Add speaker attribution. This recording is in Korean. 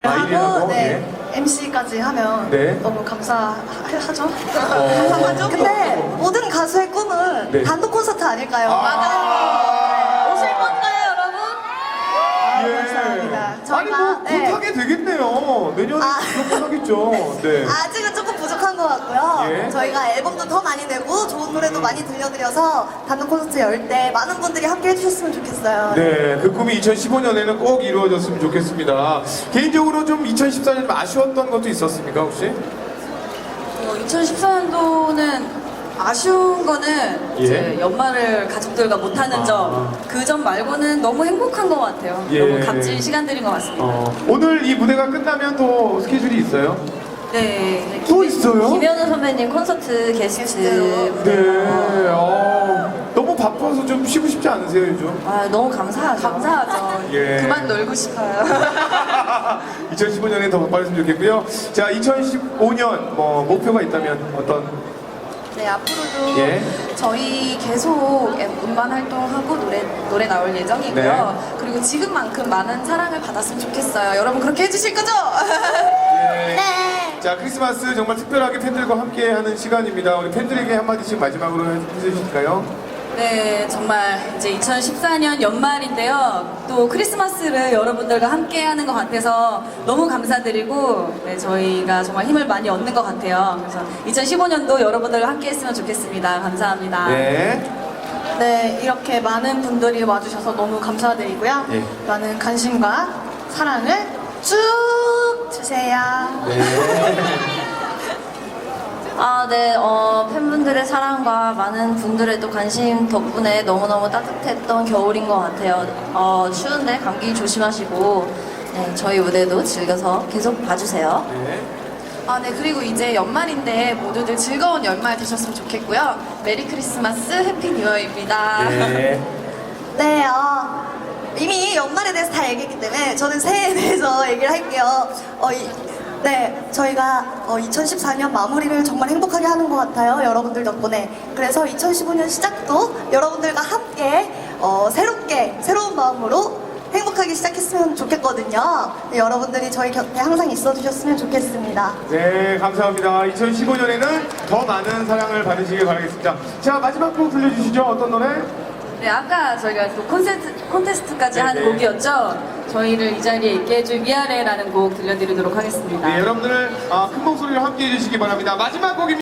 Speaker 1: 하고 네,
Speaker 2: 예.
Speaker 1: MC까지 하면
Speaker 2: 네.
Speaker 1: 너무 감사하죠? 감사하죠? 근데 모든 가수의 꿈은
Speaker 2: 네.
Speaker 1: 단독 콘서트 아닐까요?
Speaker 2: 맞아요.
Speaker 1: 오실 건가요, 여러분?
Speaker 2: 예.
Speaker 1: 감사합니다.
Speaker 2: 아니 뭐
Speaker 1: 저희가, 네.
Speaker 2: 못하게 되겠네요. 내년에
Speaker 1: 아.
Speaker 2: 무조건 하겠죠. 네.
Speaker 1: 아직은 조금 부족한 것 같고요.
Speaker 2: 예.
Speaker 1: 저희가 앨범도 더 많이 내고 좋은 노래도 많이 들려드려서 단독 콘서트 열 때 많은 분들이 함께 해주셨으면 좋겠어요.
Speaker 2: 네, 그 꿈이 2015년에는 꼭 이루어졌으면 좋겠습니다. 개인적으로 좀 2014년 아쉬웠던 것도 있었습니까, 혹시?
Speaker 3: 2014년도는 아쉬운 거는
Speaker 2: 예.
Speaker 3: 이제 연말을 가족들과 못하는 점, 그 점 말고는 너무 행복한 것 같아요.
Speaker 2: 예.
Speaker 3: 너무 값진 시간들인 것 같습니다.
Speaker 2: 오늘 이 무대가 끝나면 또 스케줄이 있어요?
Speaker 3: 네.
Speaker 2: 또 있어요?
Speaker 3: 김현우 선배님 콘서트 게스트.
Speaker 2: 네, 너무 바빠서 좀 쉬고 싶지 않으세요, 요즘?
Speaker 3: 아, 너무 감사하죠. 감사하죠.
Speaker 2: 예.
Speaker 3: 그만 놀고 싶어요.
Speaker 2: 2015년에 더 바빠졌으면 좋겠고요. 자, 2015년 뭐 목표가 있다면 어떤?
Speaker 3: 네, 앞으로도
Speaker 2: 예.
Speaker 3: 저희 계속 음반 활동하고 노래 나올 예정이고요.
Speaker 2: 네.
Speaker 3: 그리고 지금만큼 많은 사랑을 받았으면 좋겠어요. 여러분 그렇게 해주실 거죠?
Speaker 2: 네. 자, 크리스마스 정말 특별하게 팬들과 함께하는 시간입니다. 우리 팬들에게 한마디씩 마지막으로 해주실까요?
Speaker 3: 네, 정말 이제 2014년 연말인데요. 또 크리스마스를 여러분들과 함께하는 것 같아서 너무 감사드리고, 네, 저희가 정말 힘을 많이 얻는 것 같아요. 그래서 2015년도 여러분들과 함께했으면 좋겠습니다. 감사합니다.
Speaker 2: 네.
Speaker 1: 네, 이렇게 많은 분들이 와주셔서 너무 감사드리고요.
Speaker 2: 예.
Speaker 1: 많은 관심과 사랑을 쭉 주세요.
Speaker 4: 아, 네, 팬분들의 사랑과 많은 분들의 또 관심 덕분에 너무너무 따뜻했던 겨울인 것 같아요. 추운데 감기 조심하시고, 네, 저희 무대도 즐겨서 계속 봐주세요.
Speaker 3: 아, 네, 그리고 이제 연말인데 모두들 즐거운 연말 되셨으면 좋겠고요. 메리 크리스마스, 해피 뉴어입니다.
Speaker 2: 네.
Speaker 1: 네, 이미 연말에 대해서 다 얘기했기 때문에 저는 새해에 대해서 얘기를 할게요. 네, 저희가 2014년 마무리를 정말 행복하게 하는 것 같아요. 여러분들 덕분에. 그래서 2015년 시작도 여러분들과 함께 새롭게, 새로운 마음으로 행복하게 시작했으면 좋겠거든요. 네, 여러분들이 저희 곁에 항상 있어주셨으면 좋겠습니다.
Speaker 2: 네, 감사합니다. 2015년에는 더 많은 사랑을 받으시길 바라겠습니다. 자, 마지막 곡 들려주시죠. 어떤 노래?
Speaker 3: 네, 아까 저희가 또 콘테스트까지 한
Speaker 2: 네네.
Speaker 3: 곡이었죠. 저희를 이 자리에 있게 해줄 위아래라는 곡 들려드리도록 하겠습니다.
Speaker 2: 네, 여러분들 큰 목소리로 함께 해주시기 바랍니다. 마지막 곡입니다.